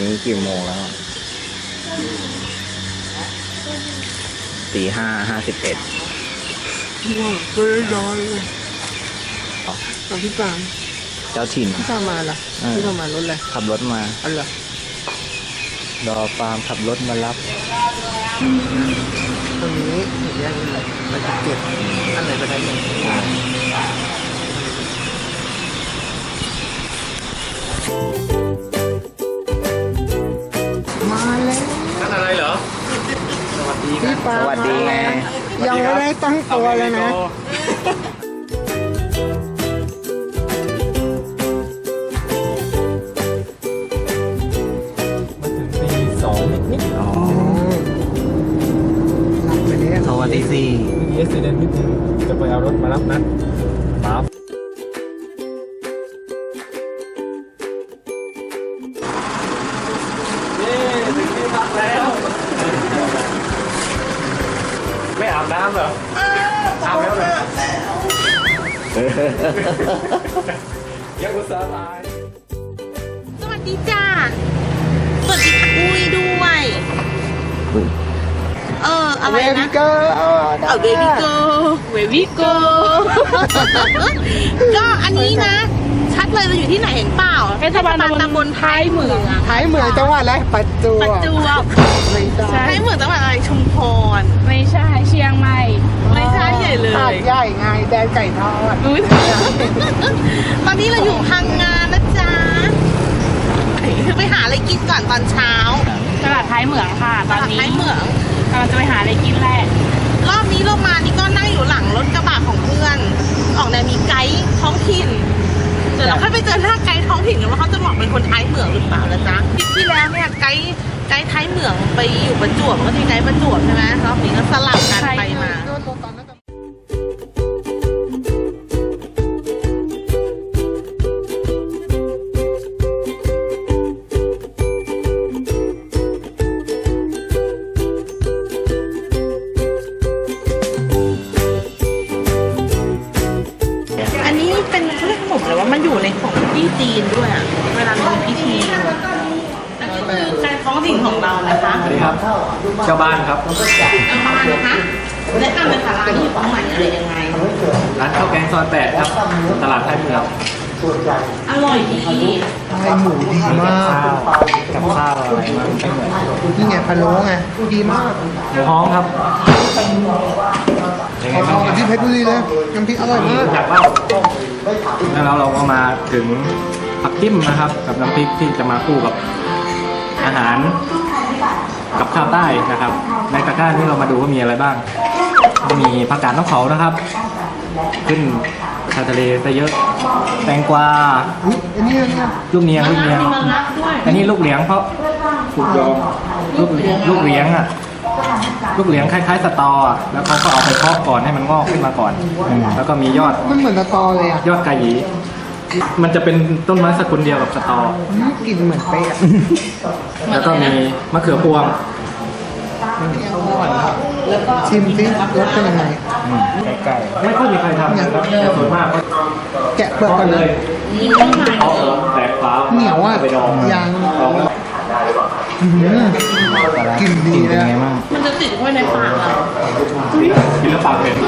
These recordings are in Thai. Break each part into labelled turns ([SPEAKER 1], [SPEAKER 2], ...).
[SPEAKER 1] นี้กี่โมงแล้วตี 5:51
[SPEAKER 2] ก็ได้นอนเลยตอนพี่ปาง
[SPEAKER 1] เจ้าถิ่น
[SPEAKER 2] พี่ปางมาล่ะพี่ปางมารถอะไร
[SPEAKER 1] ขับรถมา
[SPEAKER 2] อันเหรอ
[SPEAKER 1] รอฟาร์มขับรถมารับ
[SPEAKER 2] ตรงนี้เห็นยังไงไปเก็บอันไหนไปได้ยังมาแล้ว
[SPEAKER 3] นั่นอะไรเหรอ สวัสดีครั
[SPEAKER 2] พี่
[SPEAKER 3] บ
[SPEAKER 2] ปาง
[SPEAKER 1] สวัสดีไง
[SPEAKER 2] ยังไม่ได้ตั้งตัวเลยนะ
[SPEAKER 3] มาถึงตี 2นิด
[SPEAKER 1] อ๋อ
[SPEAKER 2] หลับไปแล้ว
[SPEAKER 1] สวัสดีสิ
[SPEAKER 3] ๆมีเอสเดนนิดนึงจะไปเอารถมารับนะมาเย้ถึงที่พักแล้ว ไม่อาบน้ำเหรอ อาบแล้วเหรอยังอุตส่าห์ตาย
[SPEAKER 4] สวัสดีจ้า สวัสดีค่ะอุ้ยด้วย อะไร
[SPEAKER 2] เว
[SPEAKER 4] นะ
[SPEAKER 2] บิเกอร์
[SPEAKER 4] เอาเบบี้โกเบบี้โก ก็อันนี้นะ ชัดเลยเราอยู่ที่ไหนเห็นเปล่าเทศบาลตำบลท้ายเหมือง
[SPEAKER 2] ท้ายเหมืองจังหวัดอะไรปัจจุ
[SPEAKER 4] ประจวบ
[SPEAKER 2] ไม่ได้
[SPEAKER 4] ท้ายเหมืองจังหวัดอะไรชุมพร
[SPEAKER 5] ไม่ใช่เชียงใหม่
[SPEAKER 4] ไม่ใช่ใหญ่เลย
[SPEAKER 2] หาดใหญ่ไงแดนไก่ทอด
[SPEAKER 5] อุ๊ย
[SPEAKER 4] ตอนนี้เราอยู่พังงานนะจ๊ะไปหาอะไรกินก่อนตอนเช้า
[SPEAKER 5] ตลาดท้ายเหมืองค่ะ ต
[SPEAKER 4] ต
[SPEAKER 5] อน
[SPEAKER 4] ลาด
[SPEAKER 5] นี้
[SPEAKER 4] ท้ายเหมือง
[SPEAKER 5] กำลังจะไปหาอะไรกินแหละ
[SPEAKER 4] รอบนี้เรามานี่ก็นั่งอยู่หลังรถกระบะของเพื่อน ออกแนวมีไกด์ท้องถิ่น เดี๋ยวเราค่อยไปเจอหน้าไกด์ท้องถิ่นกันว่าเขาจะบอกเป็นคนท้ายเหมืองหรือเปล่านะจ๊ะทริปที่แล้วเนี่ยไกด์ท้ายเหมืองไปอยู่ประจวบก็ที่ไกด์ประจวบใช่ไหมรอบนี้ก็สลับกันไปมา อันนี้เป็นเขาเรียกขนมเลยว่ามันอยู่ในของที่จีนด้วยอ่ะ เวลามีพิธีอันนี้คือการท้องถิ่นของเรานะคะ
[SPEAKER 3] สวัสดีครับ เจ้าบ้านครับ
[SPEAKER 4] เอามานะคะแนะนำเลยค่ะร้านนี้อยู่ตรงไหนอะไรยังไง
[SPEAKER 3] ร้านข้าวแกงซอย8ครับ ตลาดไทยเมือง
[SPEAKER 4] อร่อยดี
[SPEAKER 2] ไส้หมูดีมาก
[SPEAKER 3] กับข้าวอะไรมาไม่เหมือน
[SPEAKER 2] นี่ไงพะโล้ไงดีมาก
[SPEAKER 3] หมูฮ้องครับยังไง
[SPEAKER 2] เอา
[SPEAKER 3] บ้าง
[SPEAKER 2] กับที่เพชรบุรีเลยน้ำพริกอร่อยมาก
[SPEAKER 3] อยากเล่าแล้วเราก็มาถึงผักจิ้มนะครับ กับน้ำพริกที่จะมาคู่กับอาหารกับข้าวใต้นะครับ ในตะกร้าที่เรามาดูว่ามีอะไรบ้าง มีผักกาดน้ำเขานะครับ ขึ้นชายทะเลซะเยอะ แตงกวา
[SPEAKER 2] อุ๊ยอันนี้
[SPEAKER 3] ลูกเนียงลูกเนียง
[SPEAKER 4] มีมะระด้วย
[SPEAKER 3] อันนี้ลูกเหลียงเพราะถูกยอมลูกเหลียงอ่ะลูกเหลียงคล้ายๆสตออ่ะแล้วเขาก็เอาไปเพาะก่อนให้มันงอกขึ้นมาก่อน แล้วก็มียอด
[SPEAKER 2] มันเหมือนสตอเลยอ่ะ
[SPEAKER 3] ยอดกะหยี่มันจะเป็นต้นไม้สกุลเดียวกับสตอ
[SPEAKER 2] กลิ่นเหมือนเป๊ะอะ
[SPEAKER 3] แล้วก็มีมะเขือพวง
[SPEAKER 2] ชิมสิรสเป็นยังไง
[SPEAKER 3] ไก่ไม่ค่อยมีใครทำนะครับแต่ส่วนมากก็
[SPEAKER 2] แกะเปลือกก่อน
[SPEAKER 3] เล
[SPEAKER 2] เลย ย
[SPEAKER 3] เพาะแตกฟ้า
[SPEAKER 2] เหนียวอ่ะ
[SPEAKER 3] ไปดอง
[SPEAKER 2] ยาง
[SPEAKER 3] ดอง
[SPEAKER 2] กลิ่นดีเลย
[SPEAKER 1] เป็นไง
[SPEAKER 2] อะ
[SPEAKER 1] บ้าง
[SPEAKER 4] มันจะติดไว้ในปากเรา
[SPEAKER 3] กินแล้วปากเป็น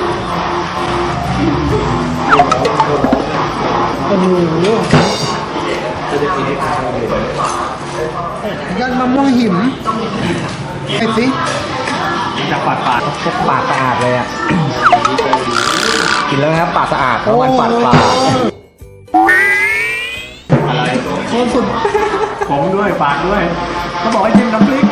[SPEAKER 2] โอ้โห
[SPEAKER 3] จะกินให้ข้าวเลย
[SPEAKER 2] ยอดมะม่วงหิมไอ้สิ
[SPEAKER 3] จากปาก
[SPEAKER 1] ปากสะอาดเลยอ่ะ กินแล้วนะครับปากสะอาดเพราะมันปากปลา
[SPEAKER 3] อะไร
[SPEAKER 2] โคตรสุด
[SPEAKER 3] ผมด้วยปากด้วยเขาบอกให้จิ้มน้ำพริก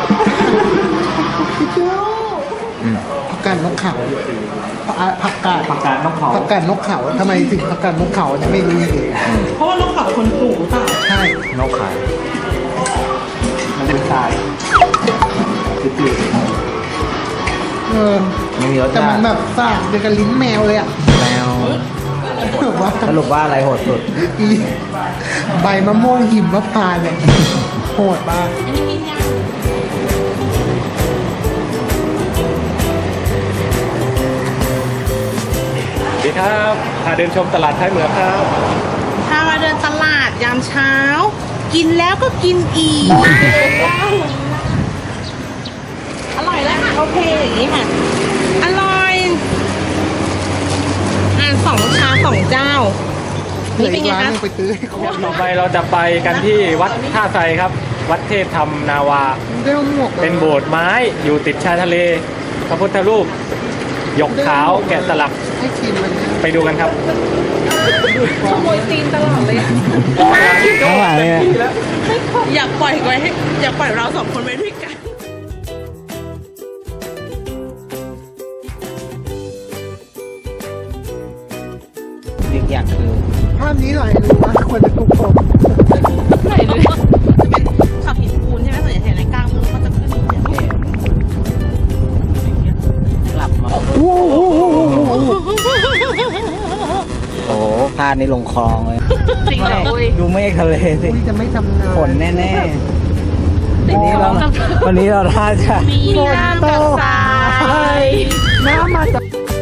[SPEAKER 2] ผักกาดนกเขาผักกาด
[SPEAKER 3] ผักกาดน้ำเผา
[SPEAKER 2] ผักกาดนกเขาทำไมถึงผักกาดนกเขาเนี่ยไม่รู้เลย
[SPEAKER 4] เพราะว่าลูกเขาคนปลูกหรือเปล่า
[SPEAKER 2] ใช่
[SPEAKER 1] นกขาย
[SPEAKER 3] มันเป็นทรายจืด
[SPEAKER 2] เออ
[SPEAKER 1] ไม่มีรส
[SPEAKER 2] แต่
[SPEAKER 1] ชา
[SPEAKER 2] มัน
[SPEAKER 1] ติ
[SPEAKER 2] แบบซ่าเดียวกับลิ้นแมวเลยอ่ะ
[SPEAKER 1] แมว
[SPEAKER 2] แบบว่า
[SPEAKER 1] สรุปว่าอะไรโหดสุด
[SPEAKER 2] อีใบมะม่วงหิมมะพร้าวเนี่ยโหดมาก
[SPEAKER 3] ๆสวัสดีครับพาเดินชมตลาดท้ายเหมืองครับ
[SPEAKER 4] ถ้ามาเดินตลาดยามเช้ากินแล้วก็กินอีกอร่อยแล้วค่ะโอเคอย่างนี้ค่ะอร่อย2 ชาม 2 เจ้า
[SPEAKER 2] เหลื
[SPEAKER 4] นี่
[SPEAKER 2] อ
[SPEAKER 4] เป็
[SPEAKER 2] อี
[SPEAKER 4] น
[SPEAKER 2] ก
[SPEAKER 4] ไง
[SPEAKER 2] ร้าน
[SPEAKER 4] คะ
[SPEAKER 2] หนึงไปซื้อให้ครบ
[SPEAKER 3] ต่อไปเราจะไปกันที่วัดท่าไทรครับ วัดเทพธรรมนาวา
[SPEAKER 2] ได้เอาหมวกมา
[SPEAKER 3] เป็นโบสถ์ไม้อยู่ติดชายทะเล พระพุทธรูปหยกขาวแกะสลัก
[SPEAKER 2] ให้กินมันเนี่ย
[SPEAKER 3] ไปดูกันครับ
[SPEAKER 5] ขโมยตีนตลอดเลย
[SPEAKER 1] ข้างหลังเนี่ย
[SPEAKER 4] อยากปล่อยไว้ให้อยากปล่อยเรา2 คนไว้ด้วยกัน
[SPEAKER 1] อีกอย่างคือ
[SPEAKER 2] ภาพนี้หน่อยรู้ว่าควรจะถูกผม
[SPEAKER 5] ไหนเลย
[SPEAKER 4] จะเป็นขับหินปูนใช่ไหมส่วนใหญ่เห็นในกลางเมืองก็จะขึ้นอย่างเงี้ย
[SPEAKER 1] กลับมา
[SPEAKER 2] โอ้โห
[SPEAKER 1] โอ้พลาดนี่ลงคลองเลย
[SPEAKER 5] จริงเหรออุ้ย
[SPEAKER 1] ดูเมฆทะเลสิ
[SPEAKER 2] อุ้ยจะไม่ทำงาน
[SPEAKER 1] ฝนแน่ๆวันนี้เราท่าจะ
[SPEAKER 5] มีน้ำกับทราย
[SPEAKER 2] น้ำมาจาก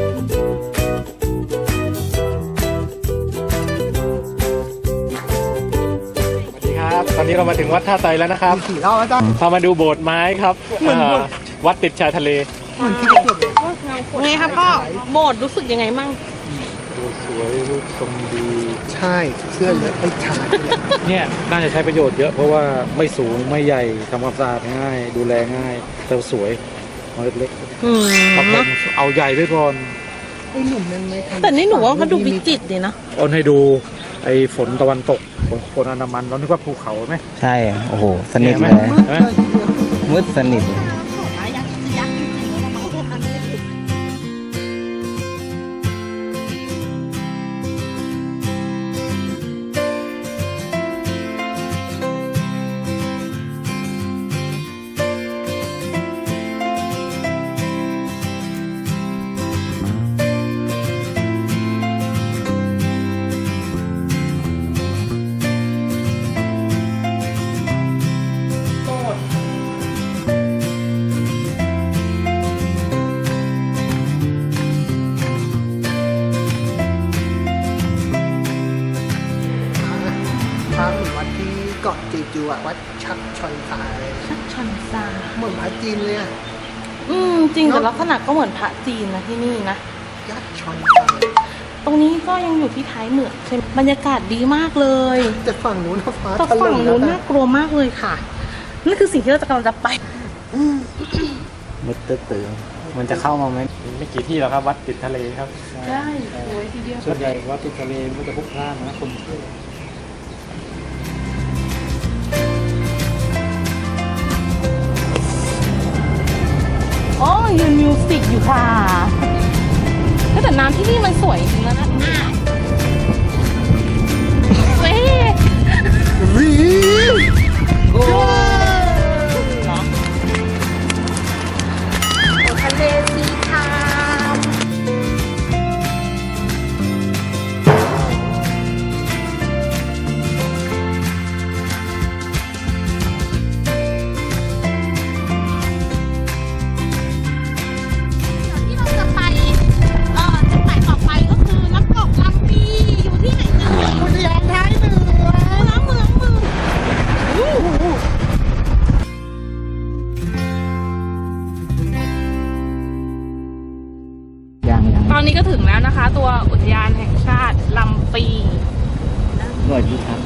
[SPEAKER 3] สวัสดีครับ ตอนนี้เรามาถึงวัดท่าไทรแล้วนะครับ
[SPEAKER 2] ขี่เราแล้วจ้ะ
[SPEAKER 3] พามาดูโบสถ์ไม้ครับวัดติดชายทะเล
[SPEAKER 2] เหมือนที่เกิดเลย
[SPEAKER 4] ไงครับพ่อโบสถ์รู้สึกยังไงมั่ง
[SPEAKER 3] ดูสวยรูปทรงดี
[SPEAKER 2] ใช่เสื้อเหลืองไอ้ชาย
[SPEAKER 6] เนี่ยน่าจะใช้ประโยชน์เยอะเพราะว่าไม่สูงไม่ใหญ่ทำความสะอาดง่าย ดูแลง่ายแต่สวยเอาเล็กๆเอาแพงเอาใหญ่ไว้ก่อน
[SPEAKER 2] ไอ้หนุ่มนั่นไม่ทำ
[SPEAKER 4] แต่นี่หนูว่าเขาดูวิจิตรดีนะ
[SPEAKER 6] เอาให้ดูไอ้ฝนตะวันตกฝนอันดามันเรานึกว่าภูเขาไหม
[SPEAKER 1] ใช่ โอ้โห สนิทเลย
[SPEAKER 2] มืดเลยทีเดียว
[SPEAKER 1] มืดสนิท
[SPEAKER 2] พาเหมือนวัดที่เกาะจีจูอะวัดชักชอนซาเลย
[SPEAKER 4] ชันซา
[SPEAKER 2] เหมือนพระจีนเลยอะ
[SPEAKER 4] จริงแต่ลักษณะก็เหมือนพระจีนนะที่นี่นะ
[SPEAKER 2] ยักษ์ชอนซา
[SPEAKER 4] ตรงนี้ก็ยังอยู่ที่ท้ายเหมืองใช่ไหมบรรยากาศดีมากเลย
[SPEAKER 2] แต่ฝั่งนู้นนะฟ้า
[SPEAKER 4] แต่
[SPEAKER 2] ถล่
[SPEAKER 4] ฝั่ง
[SPEAKER 2] ม
[SPEAKER 4] นู้น
[SPEAKER 2] แล้ว
[SPEAKER 4] น่ากลัวมากเลยค่ะนั่นคือสิ่งที่เรากำลังจะไป
[SPEAKER 1] มืดตื้อๆมันจะเข้ามาไหม
[SPEAKER 3] ไม่กี่ที่แล้วครับ วัดติดทะเลครับ
[SPEAKER 5] ใช่สวยทีเดียว
[SPEAKER 6] ส่วนใหญ่ว่าติดทะเลมันก็จะพลุกพล่านนะคนเที่ยว
[SPEAKER 4] อ๋อยืนมิวสิกอยู่ค่ะแต่น้ำที่นี่มันสวยจริงๆแล้วนะเว้ย
[SPEAKER 2] รี
[SPEAKER 4] ทะเลสีขาวที่เราจะไปจุดหมายต่อไปก็คือน้ำตกลำปีอยู่ที่ไหนนะ
[SPEAKER 2] อุทยานท้ายเหนือ
[SPEAKER 4] น้ำเมือง
[SPEAKER 1] ยัง
[SPEAKER 5] ตอนนี้ก็ถึงแล้วนะคะ ตัวอุทยานแห่งชาติลำปี
[SPEAKER 1] หน่วยพิทักษ์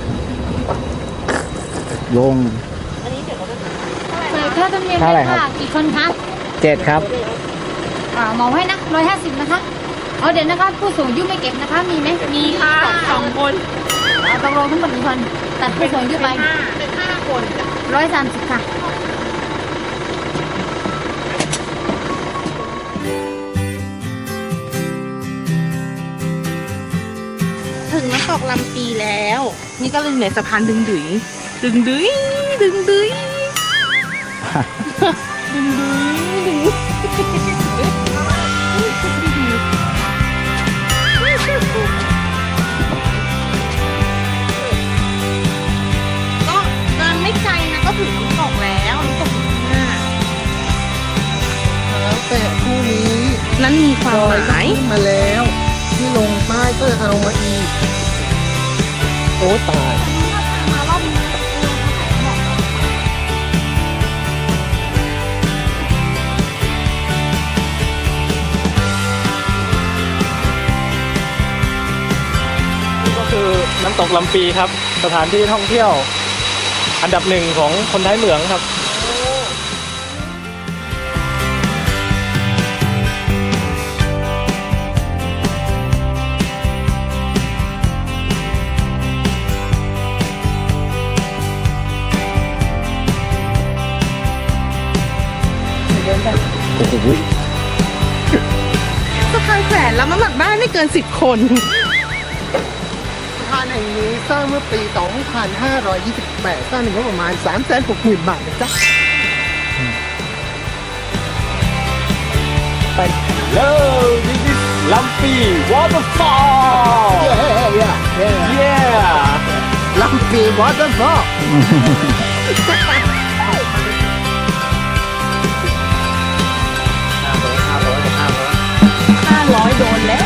[SPEAKER 1] ลง
[SPEAKER 7] เปิดค่าธรรมเนียม
[SPEAKER 1] เท่าไหร่
[SPEAKER 7] เลย
[SPEAKER 1] ครับ
[SPEAKER 7] ค่ะกี่คนคะ
[SPEAKER 1] 7 ครับ
[SPEAKER 7] เหมาให้นะ150นะคะเอาเดี๋ยวนะคะผู้สูงอายุไม่เก็บนะคะมีไหม
[SPEAKER 5] มีค่ะ2 คน
[SPEAKER 7] ตกลงทั้งหมดกี่คนตัดผู้สูงอายุไป
[SPEAKER 4] เป็น5 คน
[SPEAKER 7] 130ค่ะ
[SPEAKER 4] ถึงน้ำตกลำปีแล้ว นี่ก็เลยอยู่ในสะพานดึงดุยดึงดุยดึงดุยดึงดุยดึงก็เดินไม่ไกลนะก็ถึงน้ำตกแล้วน้ำตกอยู่ข้างหน้า
[SPEAKER 2] แล้วแต่คู่นี้
[SPEAKER 4] นั้นมีความหมาย
[SPEAKER 2] ขึ้นมาแล้ว ที่ลงใต้ก็เอามาอีก โอ้ตาย
[SPEAKER 4] มารอบนี้
[SPEAKER 3] น้ำตกลำปีครับ สถานที่ท่องเที่ยว อันดับหนึ่งของคนท้ายเหมืองครับ
[SPEAKER 4] สะพานแขวนแล้วน้ำหนักได้ไม่เกิน 10 คน
[SPEAKER 2] สะพานแห่งนี้สร้างเมื่อปี 2528 สร้างในงบประมาณ 360,000 บาทนะจ๊ะ
[SPEAKER 3] ไปเลย this is ลำปี waterfall
[SPEAKER 2] เย้
[SPEAKER 3] yeah
[SPEAKER 2] ลำปีวอเตอร์ฟอล
[SPEAKER 4] 500 โดนแล้ว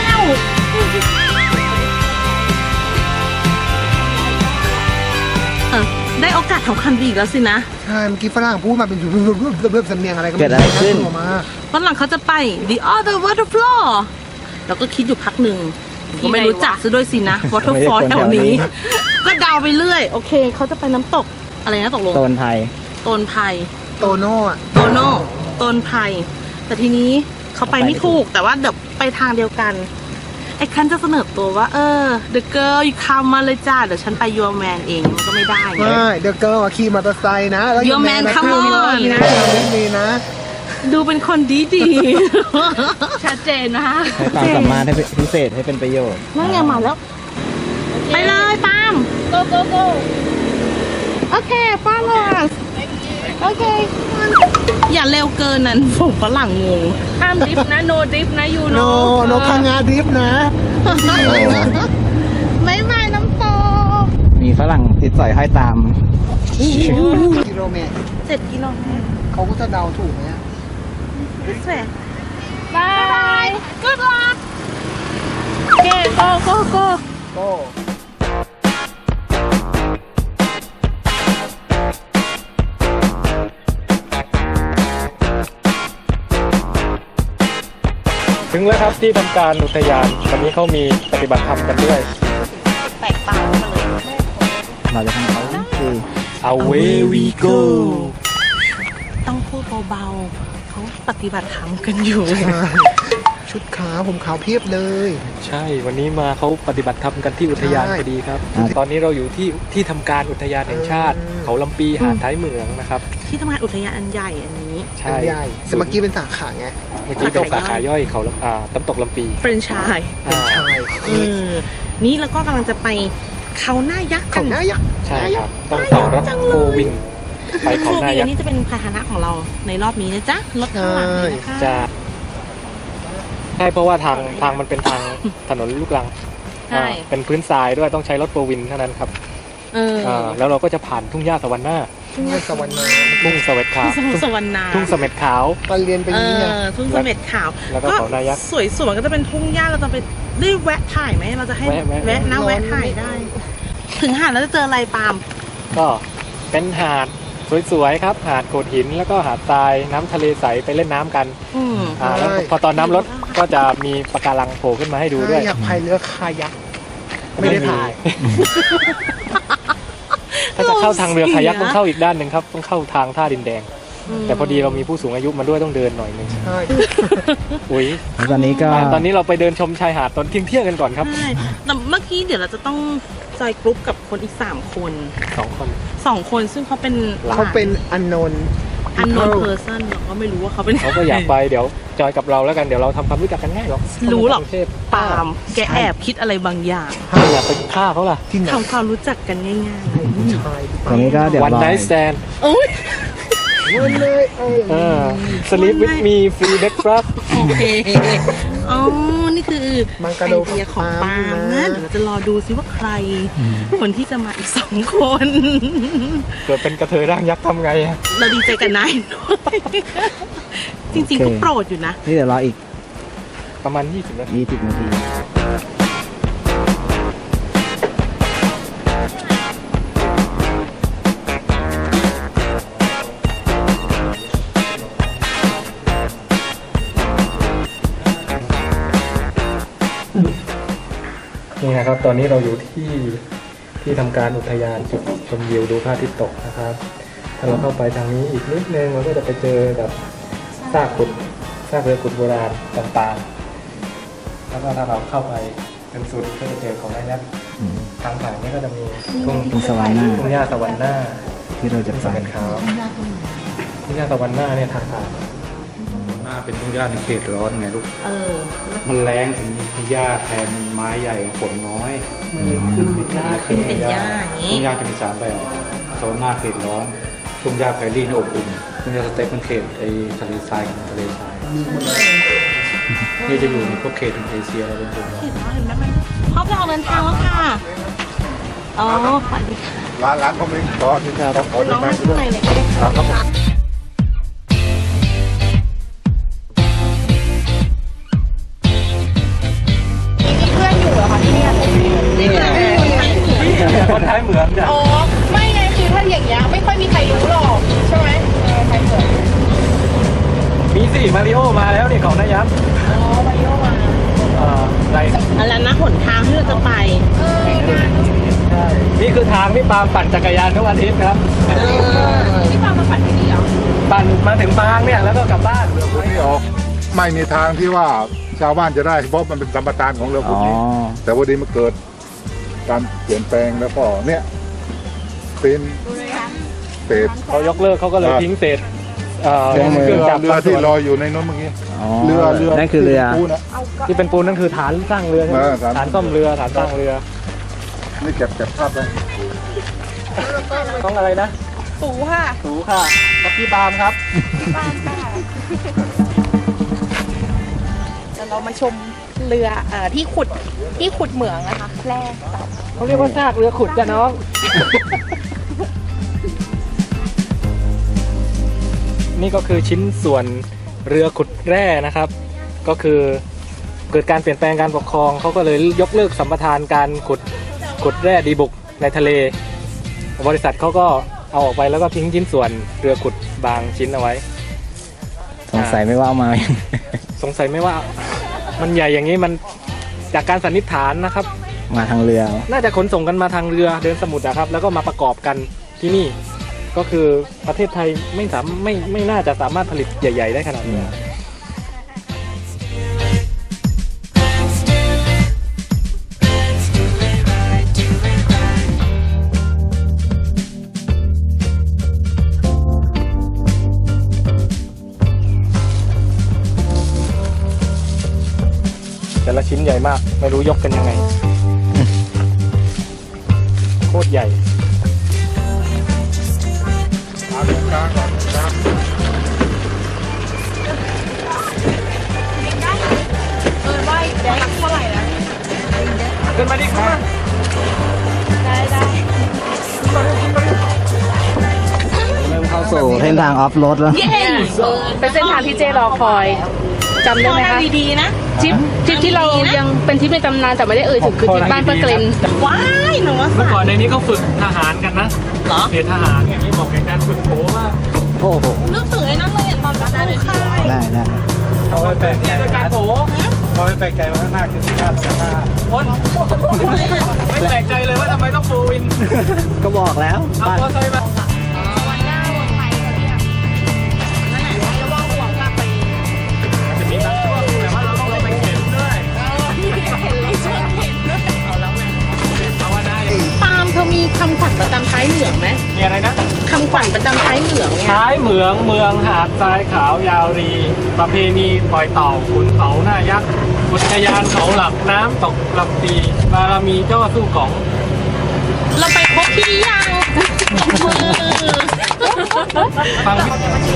[SPEAKER 4] ได้โอกาสทำคันดีอีกแล้วสินะ
[SPEAKER 2] ใช่เมื่อกี้ฝรั่งพูดมาเป็นเริ่มสำเนียงอะไรก็ไม่
[SPEAKER 1] เกิดอะไรขึ้น
[SPEAKER 2] มา
[SPEAKER 4] ฝรั่งเขาจะไป the other waterfall เราก็คิดอยู่พักหนึ่งผมก็ไม่รู้จักซะด้วยสินะ waterfall แถวนี้ ก็เดาไปเรื่อย โอเค เขาจะไปน้ำตก อะไรนะตกลง
[SPEAKER 1] โซนไทย
[SPEAKER 4] โตนไพร
[SPEAKER 2] โตโน่อะ
[SPEAKER 4] โตโน่ต้นไผ่แต่ทีนี้เขาไปไม่ถูกแต่ว่าเดี๋ยวไปทางเดียวกัน ไอ้คันจะเสนอตัวว่า the girl you come มาเลยจ้าเดี๋ยวฉันไป your man เองมันก็ไม่ได้ไง
[SPEAKER 2] ไม่เดอะเกิร์ลขี่มอเตอร์ไซค์นะ แล้ว
[SPEAKER 4] Your man come on
[SPEAKER 2] นะดีนะ
[SPEAKER 4] ดูเป็นคนดีดี
[SPEAKER 5] ชัดเจนนะคะ
[SPEAKER 1] ใช้ความสามารถให้พิเศษให้เป็นประโยชน์
[SPEAKER 4] นั่นไงมาแล้ว ไปเลยปาล์ม
[SPEAKER 5] go go go
[SPEAKER 4] โอเคฟาลอสโอเค อย่าเร็วเกินนั้นผมฝรั่งงง
[SPEAKER 5] ห้ามดริฟต์นะ no drift นะ you
[SPEAKER 2] โน
[SPEAKER 5] know
[SPEAKER 2] โนพังงาดริฟต์นะ
[SPEAKER 4] ไม่ไม่น้ำตก
[SPEAKER 1] มีฝรั่งติดสอยห้อยตาม
[SPEAKER 2] กิโลเมตร
[SPEAKER 4] 7 กิโลเมตร
[SPEAKER 2] เขาก็จะเดาถูกไหมอะ
[SPEAKER 4] This way
[SPEAKER 5] บาย
[SPEAKER 4] Good luck โอเค go go go
[SPEAKER 2] ก็
[SPEAKER 3] ถึงแล้วครับที่ทำการอุทยานวันนี้เขามีปฏิบัติธรรมกันด้วย
[SPEAKER 4] แตกต่างกันเลย
[SPEAKER 1] เราจะทำเขาคือ
[SPEAKER 3] away we go
[SPEAKER 4] ต้องพูดเบาๆ เขาปฏิบัติธรรมกันอยู่
[SPEAKER 2] ชุดขาวผมขาวเพียบเลย
[SPEAKER 3] ใช่วันนี้มาเขาปฏิบัติธรรมกันที่อุทยาน
[SPEAKER 2] ใช่
[SPEAKER 3] พอดีครับ ตอนนี้เราอยู่ที่ทำการอุทยานแห่งชาติ เขาลำปีหาดท้ายเหมืองนะครับ
[SPEAKER 4] ที่ทำงานอุทยานอันใหญ่อันนี้
[SPEAKER 3] ใช่
[SPEAKER 2] ใหญ่แต่เมื่อกี้เป็นสาขาไง
[SPEAKER 3] เมื่อกี้เป็นสาขาย่อยเขาน้ำตกลำปี
[SPEAKER 4] เฟรนช์ชาย
[SPEAKER 3] อ่า
[SPEAKER 2] ใช่
[SPEAKER 4] นี่แล้วก็กำลังจะไปเขาหน้ายักษ์กั
[SPEAKER 2] เขา
[SPEAKER 4] น
[SPEAKER 2] หน้ายักษ์
[SPEAKER 3] ใช่ครับ ต้องต่อรถโฟวิงไปเขาหน้ายักษ์
[SPEAKER 4] นี่จะเป็นพาหนะของเราในรอบนี้นะจ๊ะ รถข้างหลังเลยนะคะ
[SPEAKER 3] จะใช่เพราะว่าทางมันเป็นทางถนนลูกรัง
[SPEAKER 4] ใช่
[SPEAKER 3] เป็นพื้นทรายด้วยต้องใช้รถโฟวินเท่านั้นครับ แล้วเราก็จะผ่านทุ่งหญ้าสวรรค์หน้า
[SPEAKER 2] ทุ่งสวรรค์นา
[SPEAKER 3] ทุ่งเสม็ดขาว
[SPEAKER 4] ทุ่งสวรรณา
[SPEAKER 3] ทุ่งเสม็ดขาว
[SPEAKER 2] ตอนเรียนไปนี่ไง
[SPEAKER 4] ทุ่งเสม็ดขาว
[SPEAKER 3] แล้วก็เขาหน้ายักษ์
[SPEAKER 4] สวยๆก็จะเป็นทุ่งหญ้าเราจะไปได้แวะถ่ายไหมเราจะให้
[SPEAKER 3] แวะ
[SPEAKER 4] นะแวะถ่ายได้ ถึงหาดแล้วจะเจออะไรปาล์ม
[SPEAKER 3] ก็เป็นหาดสวยๆครับ หาดโขดหินแล้วก็หาดทรายน้ำทะเลใสไปเล่นน้ำกัน แล้วพอตอนน้ำลดก็จะมีปะการังโผล่ขึ้นมาให้ดูด้วย
[SPEAKER 2] อยากพายเรือคายักไม่ได้พาย
[SPEAKER 3] ถ้าจะเข้าทางเรือคายักต้องเข้าอีกด้านหนึ่งครับต้องเข้าทางท่าดินแดง แต่พอดีเรามีผู้สูงอายุมาด้วยต้องเดินหน่อยหนึง
[SPEAKER 2] ใช่
[SPEAKER 3] อุ้ย
[SPEAKER 1] แล้วตอนนี้ก็
[SPEAKER 3] ตอนนี้เราไปเดินชมชายหาดตอนเที่ยงๆกันก่อนครับ
[SPEAKER 4] ใช่แต่เมื่อกี้เดี๋ยวเราจะต้องจอยกรุ๊ปกับคนอีก3 คน
[SPEAKER 3] 2 คน
[SPEAKER 4] 2 คนซึ่งเขาเป็น
[SPEAKER 2] เขาเป็นอันโนน
[SPEAKER 4] อันนอนเพอร์ซันเราก็ไม่รู้ว่าเขาเป็น
[SPEAKER 3] เขาก็อยากไปเดี๋ยวจอยกับเราแล้วกันเดี๋ยวเราทำความรู้จักกันง่ายหรอก
[SPEAKER 4] รู้หรอก
[SPEAKER 3] กรุงเทพ
[SPEAKER 4] ปาล์มแกแอบคิดอะไรบางอย่าง
[SPEAKER 3] ไม่อยากไปฆ่าเขาล่ะ
[SPEAKER 2] ที่ไหน
[SPEAKER 4] ทำความรู้จักกันง่าย
[SPEAKER 2] ชาย
[SPEAKER 1] ตอนนี้ก็เดี๋ยว
[SPEAKER 3] วัน
[SPEAKER 1] รอ
[SPEAKER 3] ไนท์สแตน
[SPEAKER 4] ๆโอ้ย
[SPEAKER 2] วันเลย
[SPEAKER 3] sleep with me free breakfast
[SPEAKER 4] โอเคอ๋อนี่คือ
[SPEAKER 2] มัง
[SPEAKER 4] ไอก
[SPEAKER 2] รโด
[SPEAKER 4] เดียของปาล์มนะเดี๋ยวเราจะรอดูซิว่าใคร คนที่จะมาอีก2 คน
[SPEAKER 3] เกิดเป็นกระเทยร่างยักษ์ทำไงอะ
[SPEAKER 4] เราดีใจกันนายด้วยจริงๆก็โปรดอยู่นะ
[SPEAKER 1] นี่เดี๋ยวรออีก
[SPEAKER 3] ประมาณ20 นาที
[SPEAKER 1] 20 นาที
[SPEAKER 3] นี่นะครับตอนนี้เราอยู่ที่ทำการอุทยานจุดชมวิวดูพระอาทิตย์ตกนะครับถ้าเราเข้าไปทางนี้อีกนิดนึงเราก็จะไปเจอแบบซากเรือขุดโบราณต่างๆแล้วก็ถ้าเราเข้าไปจนสุดก็จะเจอของนายยักษ์ทางผ่านนี้ก็จะมีทุ่ง
[SPEAKER 1] สวรรค์หน้า
[SPEAKER 3] ทุ่งหญ้าสวรรค์หน้า
[SPEAKER 1] ที่เราจะ
[SPEAKER 3] ทุ่ง
[SPEAKER 1] ไป
[SPEAKER 3] สวรรค์ขาวทุ่งหญ้าสวรรค์หน้าเนี่ยทางผ่าน
[SPEAKER 6] หน้าเป็นทุ่งหญ้าในเขตร้อนไงลูกมันแรงถึงมีหญ้าแทนไม้ใหญ่ฝนน้อย
[SPEAKER 4] ขึ้นเป็นหญ้าอย่างนี้
[SPEAKER 6] ทุ่งหญ้าจะมี3แบบโซนหน้าเขตร้อนทุ่งหญ้าไพรี่นี่อบอุ่นทุ่งหญ้าสเต็ปเป็นเขตไอ้ทะเลทรายกับทะเลทรายนี่จะอยู่ในพวกเขตของเอเชียแล้วเป็นส่วนใหญ่
[SPEAKER 4] เห็นไหมมันพร้อมจะออกเดินทางแล้วค่ะอ๋อสวัสดีค่ะ
[SPEAKER 2] ร้านเขาไม่ขอที่จะต้องขอ
[SPEAKER 4] น้องมาข้างในเลยก็ได้ค่ะมีเพื่อนอยู่เหรอคะที่เนี่ยนี่คือคนไทยเหมือน
[SPEAKER 3] คนท้ายเหมืองจ้ะ
[SPEAKER 4] อ๋อไม่ไงคือถ้าอย่างเงี้ยไม่ค่อยมีใครรู้หรอกใช่ไหมไทยเหมือน
[SPEAKER 3] มีสิมาริโอมาแล้วนี่ของนายยักษ์
[SPEAKER 4] อ๋อมาริโอมา
[SPEAKER 3] อะไร
[SPEAKER 4] อะไรนะหนทางที่เราจะไป
[SPEAKER 3] ใช่นี่คือทางที่ปาล์มปั่นจักรยานทุกอาทิตย์ครับ
[SPEAKER 4] ที่ปามาปั่นที่นี่เหรอ
[SPEAKER 3] ปั่นมาถึงปางเนี่ยแล้วก็กลับบ้าน
[SPEAKER 2] เรือพุทธนี่ออกไม่มีทางที่ว่าชาวบ้านจะได้เพราะมันเป็นสัมปทานของเรือพุทธนี่แต่พอดีมันเกิดการเปลี่ยนแปลงแล้วก็เนี่ยเป็นเศษ
[SPEAKER 3] เขายกเลิกเขาก็เลยทิ้งเศษเค
[SPEAKER 2] เรื
[SPEAKER 3] รื่อง
[SPEAKER 2] อ
[SPEAKER 3] จักร
[SPEAKER 2] ที่ลอยอยู่ในนู้นเมื่อกี้เรือ
[SPEAKER 1] นั่นคือเรือ
[SPEAKER 2] ที่ปูนะ
[SPEAKER 3] ที่เป็นปูนนั่นคือฐานสร้างเรือใช่ไหม
[SPEAKER 2] ฐาน
[SPEAKER 3] ฐานซ่อมเรือฐานสร้างเรือ
[SPEAKER 2] นี่เก็บภาพได้
[SPEAKER 3] ต้องอะไรนะ
[SPEAKER 4] สูค่ะ
[SPEAKER 3] สูค่ะกับพี่ปาล์มครับ
[SPEAKER 4] เดี๋ยวเรามาชมเรือที่ขุดเหมืองนะคะแร่
[SPEAKER 3] เขาเรียกว่าซากเรือขุดจ้ะน้อง นี่ก็คือชิ้นส่วนเรือขุดแร่นะครับ ก็คือเกิดการเปลี่ยนแปลงการปกครองเขาก็เลยยกเลิกสัมปทานการขุดแร่ดีบุกในทะเล บริษัทเขาก็เอาออกไปแล้วก็ทิ้งชิ้นส่วนเรือขุดบางชิ้นเอาไว้
[SPEAKER 1] สงสัยไม่ว่าเอามา
[SPEAKER 3] สงสัยไม่ว่ามันใหญ่อย่างนี้มันจากการสันนิษฐานนะครับ
[SPEAKER 1] มาทางเรือ
[SPEAKER 3] น่าจะขนส่งกันมาทางเรือเดินสมุทรนะครับ แล้วก็มาประกอบกันที่นี่ ก็คือประเทศไทยไม่น่าจะสามารถผลิตใหญ่ ๆ ได้ขนาดนี้ แต่ละชิ้นใหญ่มาก ไม่รู้ยกกันยังไง โคตรใหญ่
[SPEAKER 4] ว่าได้เท่าไหร่แล้ว
[SPEAKER 3] ขึ้นมาดิขึ้นมา
[SPEAKER 4] ได้
[SPEAKER 1] เริ่มเข้าสู่เส้นทางออฟโรดแล้ว
[SPEAKER 4] เย้
[SPEAKER 5] เป็นเส้นทางที่เจรอคอยจำได้ไหมคะ
[SPEAKER 4] ดีๆนะ
[SPEAKER 5] ทริปที่เรายังเป็นทริปในตำนานแต่ไม่ได้เอ่ยถึงคือทริปบ้านป้าเกรน
[SPEAKER 4] ว้ายหนูว่า
[SPEAKER 3] เมื่อก่อนในนี้เขาฝึกทหารกันนะ
[SPEAKER 4] เหรอ
[SPEAKER 3] เรียนทหารอย่างนี้บอกในการฝึกโผว่า
[SPEAKER 1] โอ้โห
[SPEAKER 4] นึกถึงไอ้นั่นเลยตอนรับลูกค่าย
[SPEAKER 1] ได้
[SPEAKER 3] เอาไปแปลกใจการโผเอาไปแปลกใจว่าข้างหน้าคือที่ด้านข้างหน้าคนไม่แปลกใจเลยว่าทำไมต้องโฟวิน
[SPEAKER 1] ก็บอกแล้ว
[SPEAKER 3] เอาพอใส่มา
[SPEAKER 4] วันหน้าวันไทยเขาเรียกนั่นแหละแล้วว่าห่วงกลับไป
[SPEAKER 3] จะมีบางช่วงแต่ว่าเราต้องไปเข็นด้วย
[SPEAKER 4] เห็นเลยชวนเห็นด้วย
[SPEAKER 3] เอาแล้วไงภาวนาอย่างนี้
[SPEAKER 4] ปาล์มเธอมีคำขวัญประจำท้ายเหมืองไหม
[SPEAKER 3] มีอะไรนะ
[SPEAKER 4] คำขวัญประจำท้ายเหมืองเนี่ย
[SPEAKER 3] ท้ายเหมืองเมืองหาดทรายขาวยาวรี ประเพณีปล่อยเต่าขุนเขาหน้ายักษ์อุทยานเขาหลักน้ำตกลำปีบารมีเจ้าสู้ของ
[SPEAKER 4] เราไปครบที่ยังมือ
[SPEAKER 3] ฟัง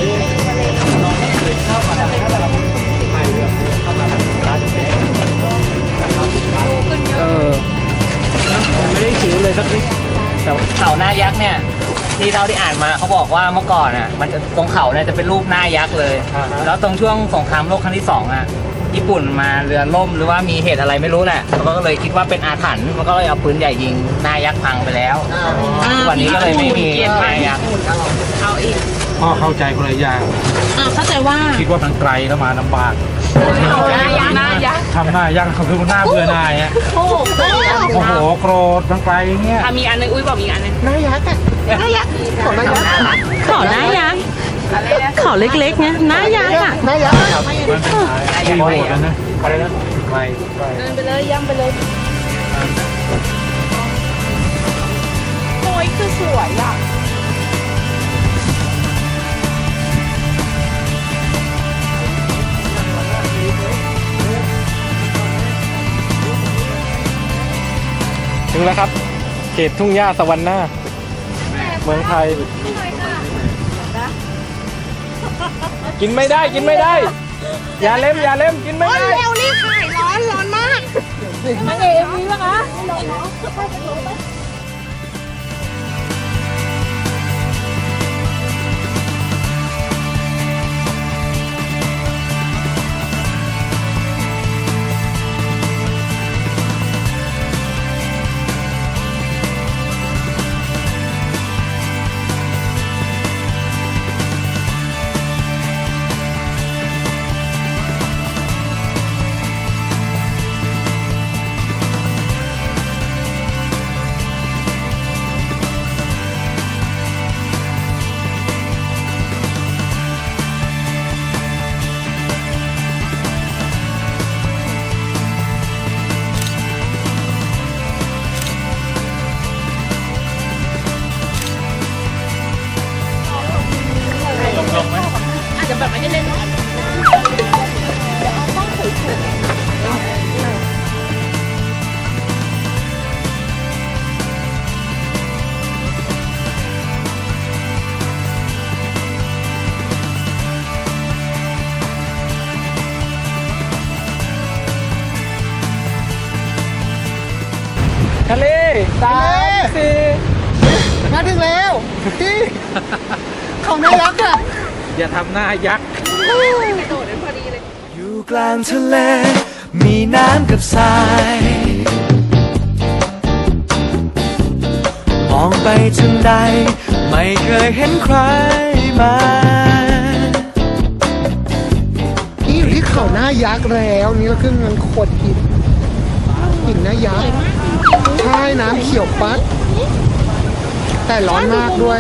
[SPEAKER 3] ไม่ได้คิวเลยสักนิด
[SPEAKER 8] เขาหน้ายักษ์เนี่ยที่เราได้อ่านมาเขาบอกว่าเมื่อก่อนอ่ะมันจะตรงเขาเนี่ยจะเป็นรูปหน้ายักษ์เลย แล้วตรงช่วงสงครามโลกครั้งที่2อ่ะญี่ปุ่นมาเรือล่มหรือว่ามีเหตุอะไรไม่รู้แหละเขาก็เลยคิดว่าเป็นอาถรรพ์มันก็เลยเอาปืนใหญ่ยิงหน้ายักษ์พังไปแล้ววันนี้ก็เลยไม่มีหน้ายักษ์
[SPEAKER 4] เอาอีก
[SPEAKER 6] พ่อเข้าใจคนละอย่าง
[SPEAKER 4] เข้าใจว่า
[SPEAKER 6] คิดว่ามันไกลแล้วมาลำบาก
[SPEAKER 5] หน้ายักษ์
[SPEAKER 6] ทำหน้ายังเขาคือหน้าเบื่อหน่ายอ่ะโอ้โหโกรธทั้งไปอย่างเงี้ย
[SPEAKER 5] มีอันนึงอุ้ยบอกมีอันนึง
[SPEAKER 4] หน้ายักษ์อะหน้ายักษ์ขอหน้ายักษ์ขอหน้ายักษ์ขอเล็กๆเนี่ยหน้ายักษ์อะหน้ายักษ์
[SPEAKER 6] มันเป็นที่โหดแล้วนะอะไรนะไม่
[SPEAKER 5] เดินไปเลยย่ำไปเลย
[SPEAKER 4] โอ้ยคือสวยอะ
[SPEAKER 3] ถึงแล้วครับ เขตทุ่งหญ้าสวรรค์หน้า เมืองไทย กินไม่ได้กินไม่ได้ อย่าเล่มอย่าเล่มกินไม่ได้
[SPEAKER 4] เร็วรีบถ่ายร้อนมาก
[SPEAKER 7] มาเองมีปะคะ
[SPEAKER 5] อาจจะแบบไม่ได้เล่น
[SPEAKER 3] ทะเลสามสี่
[SPEAKER 4] มาถึงแล้วพี่ของหน้ายักษ์อะ
[SPEAKER 3] อย่าทำหน้ายักษ์
[SPEAKER 9] อยู่กลางทะเล มีน้ำกับทราย มองไปทางใด ไม่เคยเห็นใครมา
[SPEAKER 4] นี่อยู่ที่เขาหน้ายักษ์แล้วนี่เราขึ้นเงินโคตรหินหน้ายักษ์ใช่น้ำเขียวปัด แต่ร้อนมากด้วย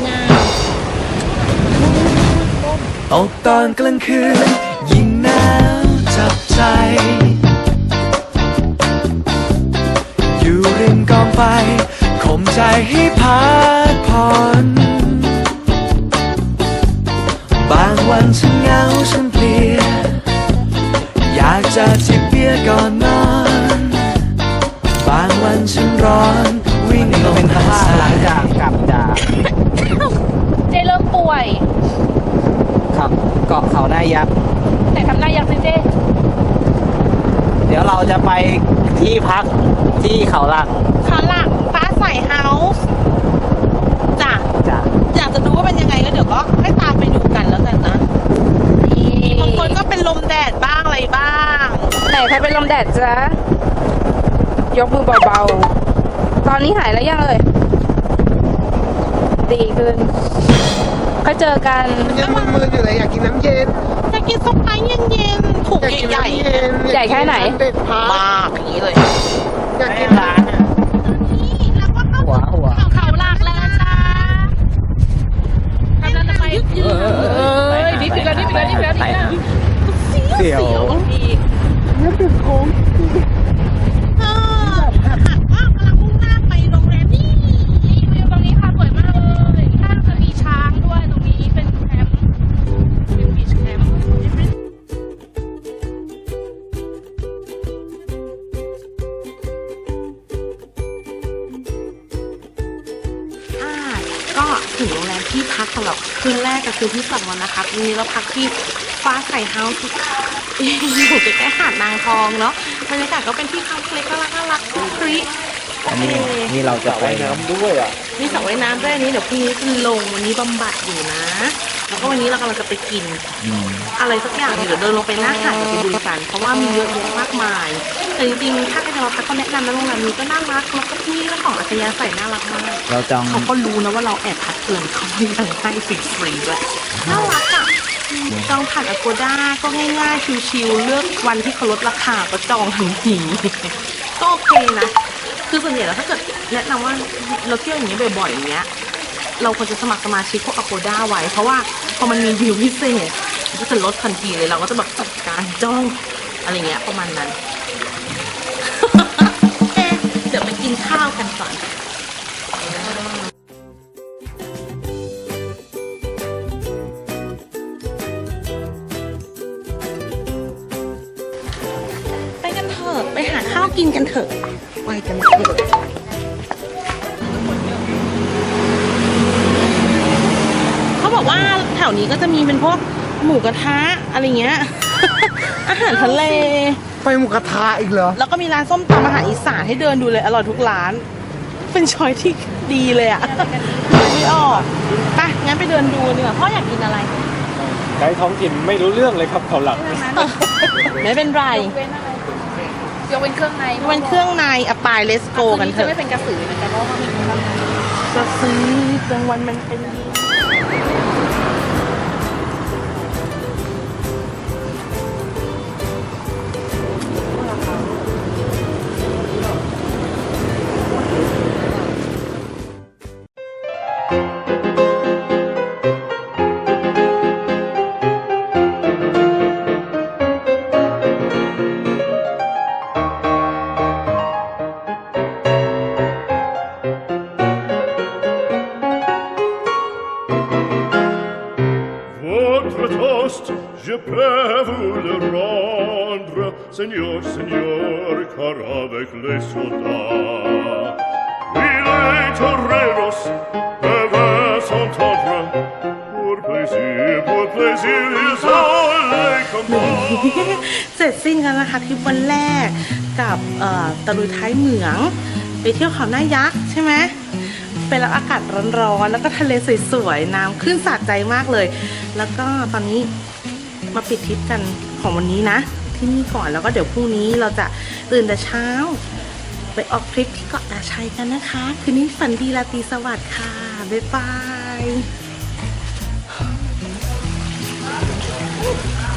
[SPEAKER 9] ตกตอนกลางคืน ยิ่งหนาวจับใจ อยู่ริมกองไฟข่มใจให้พักผ่อน บางวันฉันเหงาฉันเพลีย อยากจะจิบเบียร์ก่อนนอน บางวันฉันร้อนวิ่งลงหาดทราย
[SPEAKER 8] กลับจาก
[SPEAKER 5] เจเริ่มป่วย
[SPEAKER 8] ครับเกาะเขาหน้ายักษ์
[SPEAKER 5] แต่ทำหน้ายักษ์สิเจ
[SPEAKER 8] เดี๋ยวเราจะไปที่พักที่เขาหลัก
[SPEAKER 4] ขาหลังฟ้าใสเฮาส์จ้ะ
[SPEAKER 8] จ้ะ
[SPEAKER 4] อยากจะดูว่าเป็นยังไงก็เดี๋ยวก็ให้ตามไปดูกันแล้วกันนะบางคนก็เป็นลมแดดบ้างอะไรบ้าง
[SPEAKER 5] ไหนใครเป็นลมแดดจ๊ะ ยกมือเบาๆ ตอนนี้หายแล้วยังเอ่ย ดีขึ้นก็เจอกัน
[SPEAKER 4] ยังมึนๆอยู่เลยอยากกินน้ำเย็นอยากกินส้มไผ่เย็นๆถูกใหญ่
[SPEAKER 5] ใหญ่แค่ไหน
[SPEAKER 4] เด็ดพามากอย่างนี้เลยอยากกินร้านอ่ะแล้วก็เข้า
[SPEAKER 8] หัว
[SPEAKER 5] เขาหลักแล้วจ้ากำลังจะไปดิบอีกแล้วดิบอีกแล้วดิบอีกแล้วดิบอีกแล้ว
[SPEAKER 8] เสี่ยว
[SPEAKER 4] เออหักว่ากำลังมุ่งหน้าไปโรงแรมนี่
[SPEAKER 5] นี่วิวตรงนี้ค่ะสวยมากเลยข้างจะมีช้างด้วยตรงนี้เป็นแคมป์เป็นบีชแคมป์
[SPEAKER 4] ก็ถึงโรงแรมที่พักสำหรับคืนแรกกับคืนที่สองแล้วนะคะวันนี้เราพักที่ฟ้าใสเฮาส์อยู่ใกล้ๆหาดนางทองเนาะบรรยากาศก็เป็นที่พักเล็กน่ารักคริโอเค
[SPEAKER 8] นี่เราจะไปน้ำด้วยอ่ะ
[SPEAKER 4] มีสระว่ายน้ำด้วยอันนี้เดี๋ยวพรุ่งนี้จะลงวันนี้บำบัดอยู่นะ แล้วก็วันนี้เรากำลังจะไปกินอะไรสักอย่างเดี๋ยวเดินลงไปหน้าหาดไปดูกันเพราะว่ามีเยอะแยะมากมายแต่จริงๆถ้าใครจะมาพักก็แนะนำนะโรงแรมนี้ก็น่ารักแล้วก็ที่เรื่องของอัธยาศัยน่ารักมาก
[SPEAKER 8] เราจอง
[SPEAKER 4] เขาก็รู้นะว่าเราแอบพักเกินเขายังให้ฟรีๆด้วยน่ารักอ่ะจองผ่าน Agoda ก็ง่ายๆชิวๆเลือกวันที่เขาลดราคาก็จองทันที ก็โอเคนะคือส่วนใหญ่แล้วถ้าเกิดแนะนำว่าเราเที่ยวอย่างนี้ยบ่อยๆอย่างเงี้ยเราควรจะสมัครสมาชิกพวก Agoda ไว้เพราะว่าพอมันมีดีลพิเศษมันก็จะลดทันทีเลยเราก็จะแบบจัดการจองอะไรเงี้ยประมาณนั้น เดี๋ยวไปกินข้าวกันก่อน ไปกันเถอะไปหาข้าวกินกันเถอะไปกันเถอะเขาบอกว่าแถวนี้ก็จะมีเป็นพวกหมูกระทะอะไรเงี้ย อาหารทะเล
[SPEAKER 1] ไปหมูกระทะอีกเหรอ
[SPEAKER 4] แล้วก็มีร้านส้มตำอาหารอีสานให้เดินดูเลยอร่อยทุกร้าน เป็นช้อยที่ดีเลยอะไม่ออกไปงั้นไปเดินดูดีกว่าพ่ออยากกินอะไร
[SPEAKER 3] ไกด์ท้องถิ่นไม่รู้เรื่องเลยครับเขาหลัง
[SPEAKER 4] ไม่เป็นไร
[SPEAKER 5] ยกเว้นเครื่องใน
[SPEAKER 4] มันเครื่องในอะปายเลสโกกันเถ
[SPEAKER 5] จะ
[SPEAKER 4] อะ
[SPEAKER 5] ไม่เป็นกระสือนะคะเพราะว่าเขามีเครื่องใน
[SPEAKER 4] จะซื้อกลางวันมันเป็นดี
[SPEAKER 10] Votre toast, je peux vous le rendre, Seigneur, Seigneur, car avec les soldats, oui, les toreros peuvent s'entendre, pour plaisir, ils ont les combats.
[SPEAKER 4] เสร็จสิ้นกันนะคะทริปวันแรกกับตะลุยท้ายเหมืองไปเที่ยวเขาหน้ายักษ์ใช่ไหมไปรับอากาศร้อนๆแล้วก็ทะเลสวยๆน้ำขึ้นสาดใจมากเลย แล้วก็ตอนนี้มาปิดทริปกันของวันนี้นะที่นี่ก่อนแล้วก็เดี๋ยวพรุ่งนี้เราจะตื่นแต่เช้าไปออกทริปที่เกาะตาชัยกันนะคะคืนนี้ฝันดีราตรีสวัสดิ์ค่ะบ๊ายบาย